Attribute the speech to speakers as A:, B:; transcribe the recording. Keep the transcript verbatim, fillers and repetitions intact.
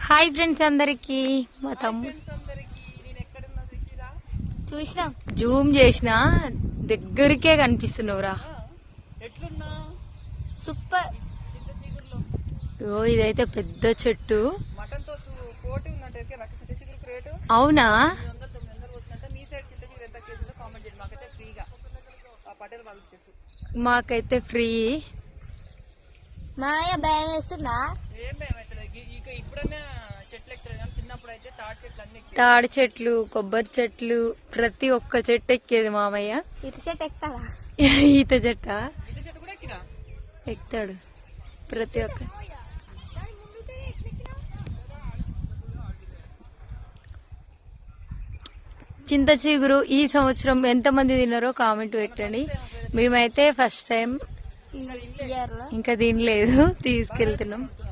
A: Hi friends అందరికి మా తమ్ముడు
B: చూసినా
A: జూమ్ చేసిన దగ్గరికే కనిపిస్తున్నావురా.
B: సూపర్.
A: ఓ ఇదైతే పెద్ద చెట్టు. అవునా, మాకైతే ఫ్రీ.
B: మాయ భయం వేస్తున్నా.
A: తాడి చెట్లు, కొబ్బరి చెట్లు, ప్రతి ఒక్క చెట్టు ఎక్కేది మామయ్య.
B: ఇటు చెట్టు ఎక్కుతాడా?
A: ఈత చెట్ట ఎక్కుతాడు ప్రతి ఒక్క. చింత చిగురు ఈ సంవత్సరం ఎంత మంది తిన్నారో కామెంట్ పెట్టండి. మేమైతే ఫస్ట్ టైం
B: ఇయర్ లో
A: ఇంకా తినలేదు, తీసుకెళ్తున్నాం.